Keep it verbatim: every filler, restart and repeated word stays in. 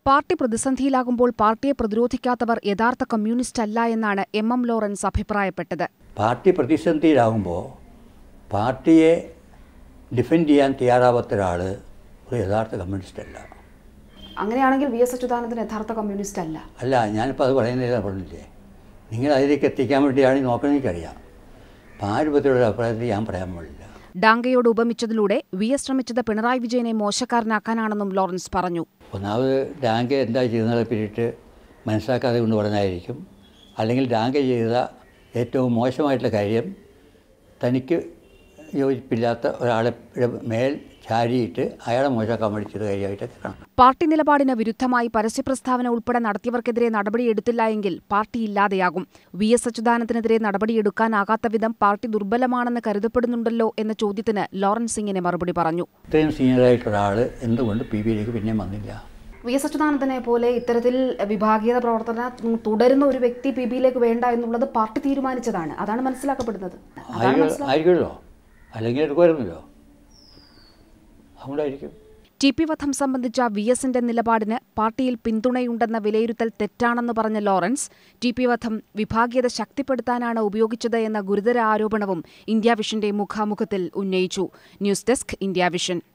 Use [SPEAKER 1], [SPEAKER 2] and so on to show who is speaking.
[SPEAKER 1] Party പ്രതിസന്ധിയിലാകുമ്പോൾ പാർട്ടിയെ പ്രതിരോധിക്കാത്തവർ യഥാർത്ഥ കമ്മ്യൂണിസ്റ്റ് അല്ല എന്നാണ് എം എം ലോറൻസ് അഭിപ്രായപ്പെട്ടത്.
[SPEAKER 2] പാർട്ടി പ്രതിസന്ധിയിലാകുമ്പോൾ പാർട്ടിയെ ഡിഫെൻഡ് ചെയ്യാൻ തയ്യാറാവാത്ത ഒരാൾ ഒരു യഥാർത്ഥ കമ്മ്യൂണിസ്റ്റ് അല്ല.
[SPEAKER 1] അങ്ങനെയാണെങ്കിൽ വി എസ് അച്യുതാനന്ദൻ യഥാർത്ഥ കമ്മ്യൂണിസ്റ്റ് അല്ല.
[SPEAKER 2] അല്ല, ഞാനിപ്പോൾ അത് പറയുന്നില്ല, പറഞ്ഞില്ലേ, നിങ്ങൾ അതിലേക്ക് എത്തിക്കാൻ വേണ്ടിയാണ് നോക്കണമെന്ന് എനിക്കറിയാം. അപ്പം ആ രൂപത്തിലുള്ള അഭിപ്രായത്തിൽ ഞാൻ പറയാൻ പാടില്ല.
[SPEAKER 1] ഡാങ്കയോട് ഉപമിച്ചതിലൂടെ വി എസ് ശ്രമിച്ചത് പിണറായി വിജയനെ മോശക്കാരനാക്കാനാണെന്നും ലോറൻസ് പറഞ്ഞു.
[SPEAKER 2] ഒന്നാമത് ഡാങ്ക എന്താ ചെയ്യുന്നതിനെ പറ്റിയിട്ട് മനസ്സിലാക്കാതെ കൊണ്ട് പറഞ്ഞായിരിക്കും. അല്ലെങ്കിൽ ഡാങ്ക ചെയ്ത ഏറ്റവും മോശമായിട്ടുള്ള കാര്യം തനിക്ക് യോജിപ്പില്ലാത്ത ഒരാളെ മേൽ ചാരിയിട്ട് അയാളെ മോശമാക്കാൻ വേണ്ടി ചെയ്ത കാര്യമായിട്ടൊക്കെ കാണാം.
[SPEAKER 1] പാർട്ടി നിലപാടിന് വിരുദ്ധമായി പരസ്യപ്രസ്താവന ഉൾപ്പെടെ നടത്തിയവർക്കെതിരെ നടപടിയെടുത്തില്ല എങ്കിൽ പാർട്ടി ഇല്ലാതെയാകും. വി എസ് അച്യുതാനന്ദനെതിരെ നടപടിയെടുക്കാനാകാത്ത വിധം പാർട്ടി ദുർബലമാണെന്ന് കരുതപ്പെടുന്നുണ്ടല്ലോ എന്ന ചോദ്യത്തിന് ലോറൻസ് ഇങ്ങനെ മറുപടി പറഞ്ഞു.
[SPEAKER 2] ഇത്രയും സീനിയറായിട്ടുള്ള ഒരാൾ എന്തുകൊണ്ട് പി ബിയിലേക്ക് പിന്നെ വന്നില്ല?
[SPEAKER 1] വി എസ് അച്യുതാനന്ദനെ പോലെ ഇത്തരത്തിൽ വിഭാഗീയത പ്രവർത്തനം തുടരുന്ന ഒരു വ്യക്തി പി ബിയിലേക്ക് വേണ്ട എന്നുള്ളത് പാർട്ടി തീരുമാനിച്ചതാണ്. അതാണ് മനസ്സിലാക്കപ്പെടുന്നത്.
[SPEAKER 2] ആയിരിക്കുമല്ലോ, അല്ലെങ്കിൽ എടുക്കുമായിരുന്നല്ലോ, അതുകൊണ്ടായിരിക്കും.
[SPEAKER 1] ടി പി വധം സംബന്ധിച്ച വി എസിന്റെ നിലപാടിന് പാർട്ടിയിൽ പിന്തുണയുണ്ടെന്ന വിലയിരുത്തൽ തെറ്റാണെന്ന് പറഞ്ഞ ലോറൻസ്, ടി പി വധം വിഭാഗീയത ശക്തിപ്പെടുത്താനാണ് ഉപയോഗിച്ചത് എന്ന ഗുരുതര ആരോപണവും ഇന്ത്യ വിഷന്റെ മുഖാമുഖത്തിൽ ഉന്നയിച്ചു. News desk, India vision.